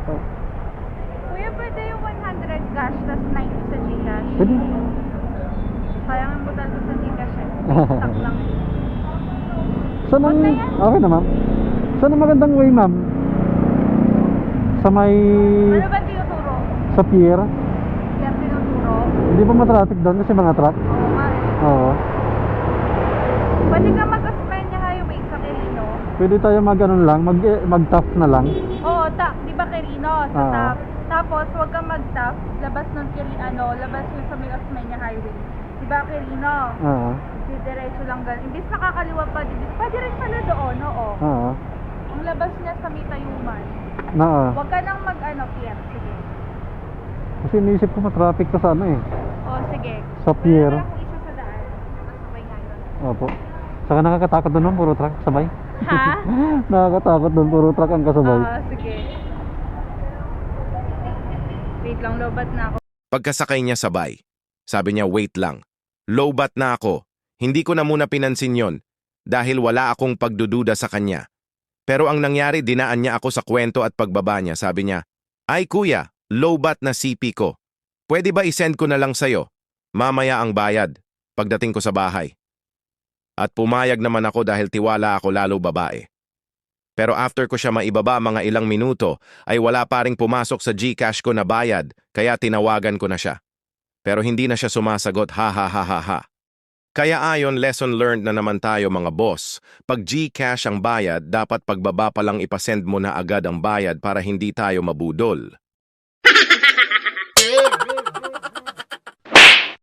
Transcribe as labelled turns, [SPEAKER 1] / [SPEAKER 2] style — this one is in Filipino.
[SPEAKER 1] Kuya, pwede yung 100 cash, tas 90 sa Gcash.
[SPEAKER 2] Pwede.
[SPEAKER 1] Sayang ang butal ko sa Gcash eh. Stock lang eh.
[SPEAKER 2] Saan ang...
[SPEAKER 1] Okay yan.
[SPEAKER 2] Okay na, ma'am. Saan ang magandang way, ma'am? Sa may...
[SPEAKER 1] Ano ba tinuturo?
[SPEAKER 2] Sa pier?
[SPEAKER 1] Yan tinuturo?
[SPEAKER 2] Hindi pa matraffic doon kasi mga truck?
[SPEAKER 1] Oo nga eh.
[SPEAKER 2] Oo.
[SPEAKER 1] Pwede ka mag-Osmeña Highway sa Quirino.
[SPEAKER 2] Pwede tayo mag-ano lang, mag-tough na lang.
[SPEAKER 1] Oo, di ba Quirino? Sa
[SPEAKER 2] Oo.
[SPEAKER 1] top. Tapos, huwag kang mag-top. Labas nun labas yun sa may Osmeña Highway. Di ba Quirino?
[SPEAKER 2] Oo.
[SPEAKER 1] Diretso lang ganun. Imbis nakakaliwa pa, pwede rin pala doon, oo.
[SPEAKER 2] Oo.
[SPEAKER 1] Ang labas niya sa may Tayuman.
[SPEAKER 2] Oo.
[SPEAKER 1] Huwag ka nang pier. Sige.
[SPEAKER 2] Kasi iniisip ko matraffic ka sa ano eh.
[SPEAKER 1] Oo, sige.
[SPEAKER 2] Sa pier.
[SPEAKER 1] Wala akong isa sa daan. Masabay nga yun.
[SPEAKER 2] Opo. Saka nakakatakot doon, puro truck sabay.
[SPEAKER 1] Ha?
[SPEAKER 2] Nakakatakot doon, puro truck ang kasabay.
[SPEAKER 1] Oo, sige. Wait lang, lobat na ako.
[SPEAKER 3] Pagkasakay niya sabay, sabi niya wait lang. Lowbat na ako. Hindi ko na muna pinansin yon dahil wala akong pagdududa sa kanya. Pero ang nangyari, dinaan niya ako sa kwento at pagbaba niya. Sabi niya, "Ay kuya, lowbat na CP ko. Pwede ba isend ko na lang sa'yo? Mamaya ang bayad pagdating ko sa bahay." At pumayag naman ako dahil tiwala ako lalo babae. Pero after ko siya maibaba mga ilang minuto, ay wala pa ring pumasok sa Gcash ko na bayad, kaya tinawagan ko na siya. Pero hindi na siya sumasagot, ha ha ha ha ha. Kaya ayon, lesson learned na naman tayo mga boss. Pag Gcash ang bayad, dapat pagbaba pa lang ipasend mo na agad ang bayad para hindi tayo mabudol.